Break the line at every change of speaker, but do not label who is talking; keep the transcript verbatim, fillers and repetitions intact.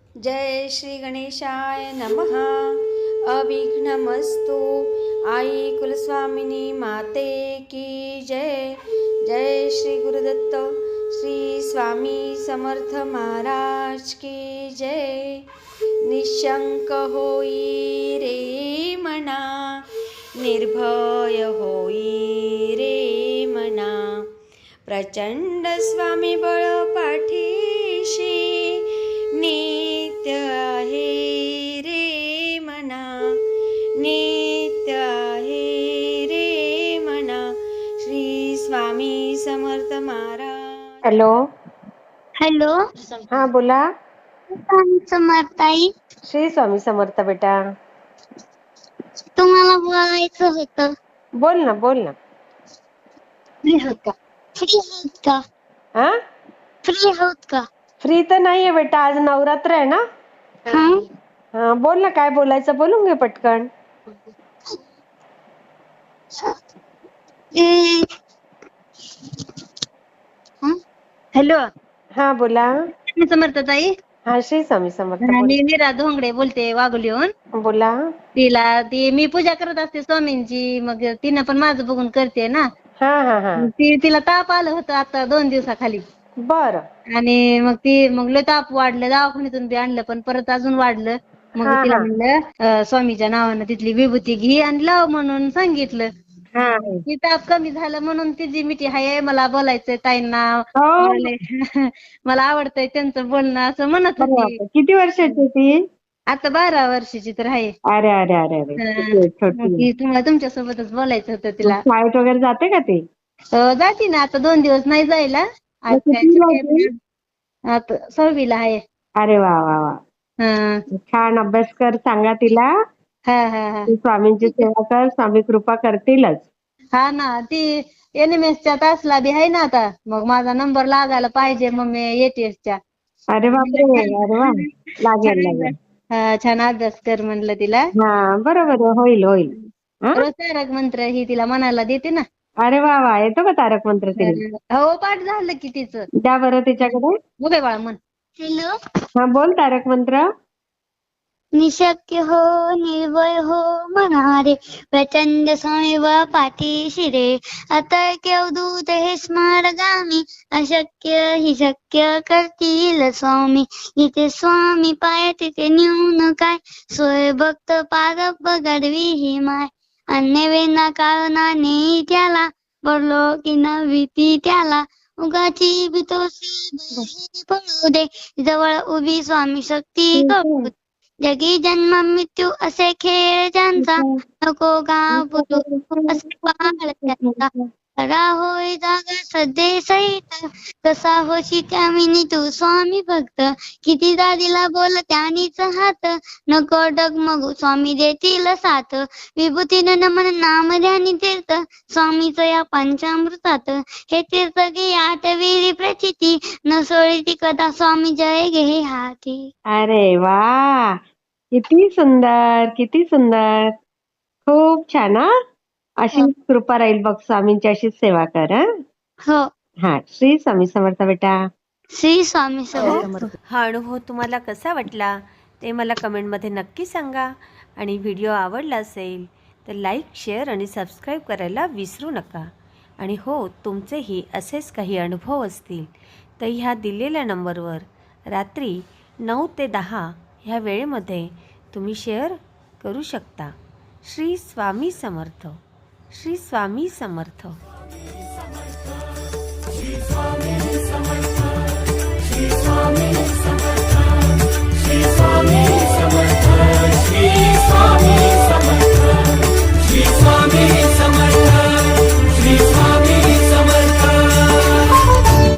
जय श्री गणेशाय नमः। अविघ्नमस्तु। आई कुलस्वामिनी माते की जय। जय श्री गुरुदत्त श्री स्वामी समर्थ महाराज की जय। निशंक होई रे मना, निर्भय होई रे मना, प्रचंड स्वामी बळ पाठीशी नित्य आहे रे मना, नित्य आहे रे मना। श्री स्वामी समर्थ महाराज।
हॅलो
हॅलो,
हा बोला।
स्वामी समर्थ आई,
श्री स्वामी समर्थ बेटा।
तुम्हाला बोलायचं होतं।
बोल ना बोल ना।
फ्री आहोत का? फ्री आहोत का?
हा
फ्री आहोत का?
फ्री तर नाहीये बेटा, आज नवरात्र आहे ना।
हा
हा बोल ना, काय बोलायचं बोलून घे पटकन।
हॅलो,
हा बोला।
स्वामी समर्थ ताई।
हा श्री स्वामी समर्थ बोल।
मी मीरा धोंगडे बोलते वाघोलीहून।
बोला।
तिला ती मी पूजा करत असते स्वामींची, मग तिनं पण माझं बघून करते ना।
हा हा हा
ती तिला ताप आलं होतं आता दोन दिवसाखाली,
बर।
आणि मग ती मग लय ताप वाढलं, दवाखान्यातून बी आणलं पण परत अजून वाढलं। मग
हा
तिला
हा
म्हणलं अं, स्वामीच्या नावानं तिथली विभूती घे आणि लाव म्हणून सांगितलं।
हा
ती ताप कमी झालं म्हणून तिची मिठी हाय, मला बोलायचंय ताईंना,
हो।
मला लय- मला आवडतंय त्यांचं बोलणं असं म्हणत
अरे
होती।
बापरे, किती वर्षाची ती?
आता बारा वर्षाची तर आहे।
अरे अरे अरे अरे
हं,
किती आहे,
मग
छोटी आहे.
ती तुम्हाला तुमच्यासोबतच बोलायचं होतं
मग
तिला।
शाळेत वगैरे जाते का ती?
अं, जाती ना, आता दोन दिवस नाही जायला। आज
मग
काय
कितवीला
सुट्टी
आहे
आहे
ती?
ना. आता सहावीला आहे।
अरे वा वा वा,
हं,
छान अभ्यास कर, सांगा तिला
हा हा हा
तू स्वामींची सेवा कर, स्वामी कृपा करतीलच।
हा ना, ती एन एम एस च्या तासला बी आहे ना आता, मग माझा नंबर लागायला पाहिजे मम्मी एटीएसच्या।
अरे बापरे, अरे वा, लागेल
छान
लागेल।
अभ्यास, हा, छान अभ्यास कर म्हणलं तिला।
हा बरोबर आहे, होईल होईल। हा
रोज तारक मंत्र ही तिला म्हणायला देते ना।
अरे वा वा, येतो का तारक मंत्र तिला?
हं, हो, पाठ झालं की तिचं।
द्या बरं तिच्याकडे।
उभे बाळा म्हण। हॅलो,
हा बोल तारक मंत्र।
निशक्य हो निर्भय हो म्हणारे, प्रचंड स्वामीव पाठीशी रे, अतर्क्य अवधूत हे स्मारगामी, अशक्य हि शक्य करतील स्वामी, जिथे स्वामी पाय तिथे न्यून काय, सोय भक्त पारप घडवी ही माय, अन्य वेना कारणाने त्याला, पडलो की न भीती त्याला, उगाची भीतोसी बाहेर पडू दे, जवळ उभी स्वामी शक्ती करू दे. जगी जन्म मृत्यू असे खेळ ज्यांचा, नको घाबरू असे बाळ त्यांचा, खरा होय जागा सदे सहित, कसा होशी त्यामिनी तू स्वामी भक्त, किती दिला बोल त्यानीच हात, नको डगमगू स्वामी देतील साथ, विभूतीन नमन नाम ध्यानी तीर्थ, स्वामीच या पंचामृतात, हे तीर्थ घे आठविरी प्रचिती, न सोळी कदा स्वामी जय घे हाती।
अरे वा, किती सुंदर किती सुंदर, खूप छान। हा, अशी कृपा राहील बघ, स्वामींची अशीच सेवा कर। हा
हो,
हा, श्री स्वामी समर्थ बेटा।
श्री स्वामी समर्थ।
हा अनुभव तुम्हाला कसा वाटला ते मला कमेंटमध्ये नक्की सांगा, आणि व्हिडिओ आवडला असेल तर लाईक, शेअर आणि सबस्क्राईब करायला विसरू नका। आणि हो, तुमचेही असेच काही अनुभव असतील तर ह्या दिलेल्या नंबरवर रात्री नऊ ते दहा ह्या वेळेमध्ये तुम्ही शेअर करू शकता। श्री स्वामी समर्थ, श्री स्वामी समर्थ।
श्री स्वामी